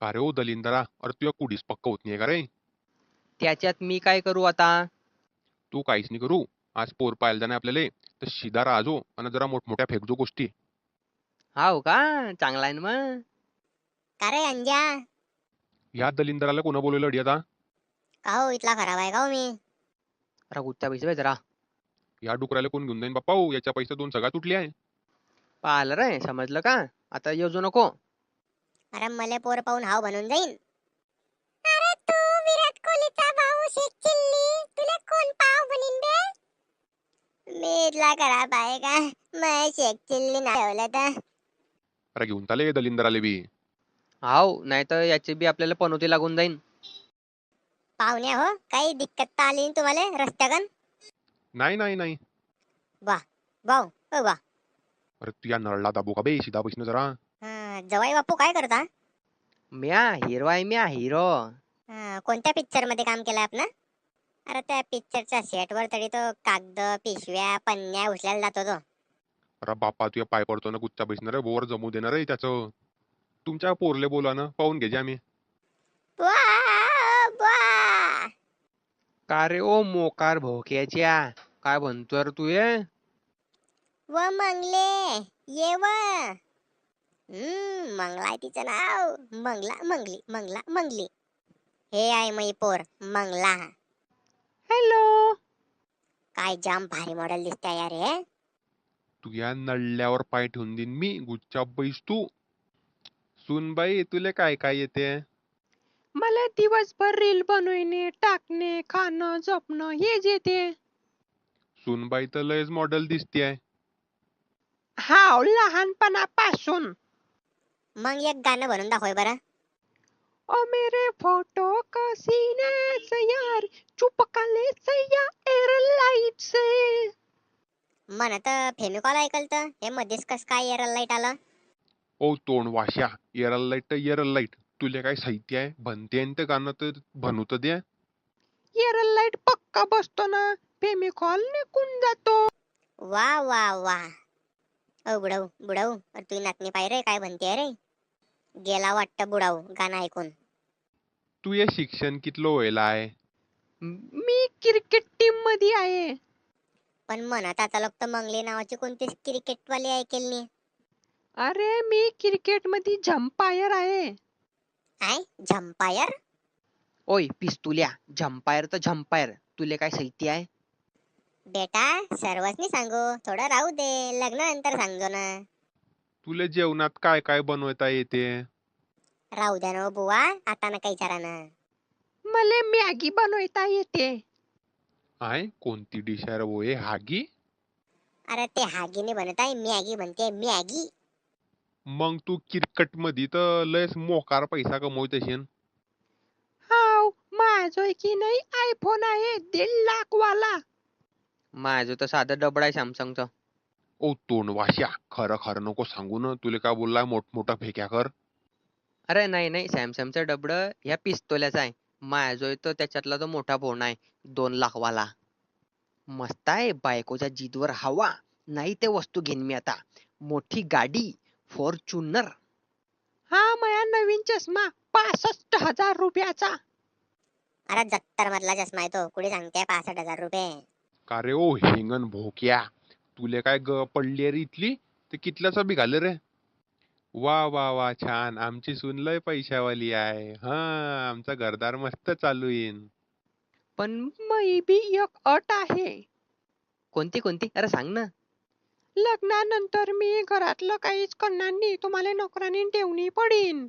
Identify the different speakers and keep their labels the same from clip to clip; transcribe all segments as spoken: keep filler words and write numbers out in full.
Speaker 1: का रे ओ दलिंदरा, अरे तुझ्या कुडीस पक्क होत नाही का रे?
Speaker 2: त्याच्यात मी काय करू आता?
Speaker 1: तू काहीच नाही करू. आज पोर पाहायला जाणे आपल्याला, तर शिदा राजो आणि जरा मोठमोठ्या फेकजो गोष्टी.
Speaker 2: हाव का? चांगला आहे ना मग.
Speaker 3: का रे अंजा?
Speaker 1: या दलिंदराला कोणा बोलवलं अडी आता?
Speaker 3: का हो इथला खराब आहे का हो मी?
Speaker 2: अरे गुच्चा पैसे जरा
Speaker 1: या डुकराला कोण घेऊन जाईन बाप्पा हो, याच्या पैसे दोन सगळ्या तुटली आहे.
Speaker 2: पाहिलं रे, समजलं का? आता योजू नको.
Speaker 3: अरे मले पोर पाहून हाव बनून जाईन. अरे तू विराट कोहलीचा भाऊ शेख चिल्ली, तुला कोण पाव बनीन बे? मी इथला खराब आहे का? मैं शेख चिल्ली नाही ठेवलं तर.
Speaker 1: अरे घेऊन चाले दलिंदराले बी.
Speaker 2: हाव, नाही तर याची बी आपल्याला पनोती लागून जाईन.
Speaker 3: पाहुण्या हो, काही दिक्कत तर आली नाही तुम्हाला रस्त्यागन?
Speaker 1: नाही नाही नाही.
Speaker 3: वाह वाव ओ वाह.
Speaker 1: अरे तू या नळला दाबू का बे, शिदा पैसे जरा.
Speaker 3: हा, जवाई बापू काय करता?
Speaker 2: म्या हिरो आहे, म्या हिरो.
Speaker 3: हा, कोणत्या पिक्चर मध्ये काम केलं आपण? अरे त्या पिक्चरच्या सेट वर तरी तो कागद पिशव्या पन्न्या उचलायला जातो तो.
Speaker 1: अरे बाप्पा तुझ्या पाय पडतो ना गुच्चा पैसे रे, बोर जमू देणार रे त्याचं. तुमच्या पोरले बोला ना, पाहून घ्यायचे आम्ही.
Speaker 3: वाह, वाह.
Speaker 2: का रे ओ मोकार भोक्याच्या, काय म्हणतोय रे तू हे?
Speaker 3: व मंगले ये व. हम्म, मंगला आहे तिचं नाव. मंगला मंगली मंगला मंगली. हे आहे मै पोर मंगला.
Speaker 2: हॅलो.
Speaker 3: काय जाम भारी मॉडेल दिसते यार हे.
Speaker 1: तू या नळल्यावर पाय ठेवून देईन मी, गुच्चा बैस तू. सुनबाई तुले काय काय येते?
Speaker 2: मला दिवसभर रील बनवणे, टाकणे, खाणं, झोपणं हेच येते.
Speaker 1: सुनबाई तर लयच मॉडेल दिसतीये.
Speaker 2: हाव, लहानपणापासून.
Speaker 3: मग एक गाणं बनवून दाखव बरं.
Speaker 2: ओ मेरे फोटो का सीने से यार चुपका ले सैया एयरलाइट से.
Speaker 3: म्हणत फेमिकॉल ऐकल तर हे मध्येच कस काय एअर लाईट आलं?
Speaker 1: ओ तोंड वाश्या, एरल लाईट तर एरल लाईट. तुले काय साहित्य आहे? बनते ते गाणं तर बनू तर दे.
Speaker 2: एयरलाइट पक्का बसतो ना, फेमिकॉल निघून जातो.
Speaker 3: वा वा वा. ओ बुडाऊ बुडाऊ, अरे तुझी नातनी पाय रे काय म्हणते रे. गेला वाटतं बुडाऊ गाणं ऐकून.
Speaker 1: तू हे शिक्षण कितलं व्हायला आहे?
Speaker 2: मी क्रिकेट टीम मध्ये आहे.
Speaker 3: पण म्हणत आता लोक तर मंगले नावाची कोणतीच क्रिकेटवाली ऐकेल नाही.
Speaker 2: अरे मी क्रिकेट मध्ये झंपायर आहे.
Speaker 3: काय झंपायर?
Speaker 2: ओय पिस्तुल्या, झंपायर तर झंपायर. तुले काय साहित्य आहे?
Speaker 3: बेटा सर्वच सांगू, थोडं राहू दे, लग्नानंतर सांगतो ना.
Speaker 1: तुले जेवणात काय काय बनवता येते?
Speaker 3: राहू द्या ना बुवा, आता नका विचारा ना.
Speaker 2: मला मॅगी बनवता येते.
Speaker 1: आहे कोणती डिश आहे रे वो हे, हागी?
Speaker 3: अरे ते हागीने बनत आहे, मॅगी बनते मॅगी.
Speaker 1: मग तू क्रिकेट मध्ये तर लयच मोकार पैसा कमवत असेल.
Speaker 2: हाव, माझं की नाही आयफोन आहे दीड लाख वाला. माझं तर साधं डबड आहे सॅमसंगचं.
Speaker 1: ओ तोंड वाश्या, खरं खरं नको सांगू ना. तुले काय बोललाय मोठमोठा फेक्या कर.
Speaker 2: अरे नाही नाही, सॅमसंगचं डबड ह्या पिस्तोल्याचं आहे. माझं तर त्याच्यातला तो मोठा फोन आहे, दोन लाख वाला. मस्त आहे, बायकोच्या जिदवर हवा. नाही ते वस्तू घेईन मी आता. मोठी गाडी, फॉर्च्युनर. हा माया नवीन चष्मा पासष्ट हजार रुपयाचा.
Speaker 3: अरे जत्तर मधला चष्मा आहे तो, कुठे सांगते पासष्ट हजार रुपये.
Speaker 1: का रे ओ हिंगण भोक्या, तुले काय ग पडली रे इथली? ते कितल्याचा बी घाले रे. वा वा वा, छान. आमची सून लय पैशावाली आहे. हा, आमचा घरदार मस्त चालू येईन.
Speaker 2: पण मै बी एक अट आहे. कोणती कोणती? अरे सांग ना. लग्नानंतर मी घरातलं काहीच करणार नाही, तुम्हाला नोकरांनी ठेवणी पडीन.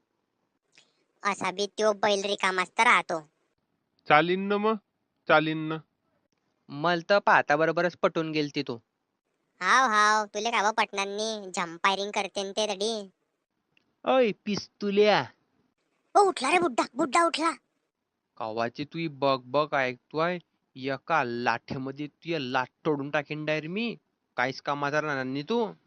Speaker 3: असा बी त्यो बैल रिकामाच तर राहतो.
Speaker 1: चालीन ना मग, चालीन ना.
Speaker 2: मल तर पाहता बरोबरच पटून गेलती तू.
Speaker 3: हाव हाव, तुले काय पटणार नाही, झंपायरिंग करते न ते तडी.
Speaker 2: ओय पिस्तुल्या,
Speaker 3: ओ उठला रे बुड्ढा, बुड्ढा उठला.
Speaker 2: कवाची तू बघ बघ ऐकतोय. एका लाठ्यामध्ये तू लाट तोडून टाकीन डायर मी. काहीच कामाचा राहणार नाही तू.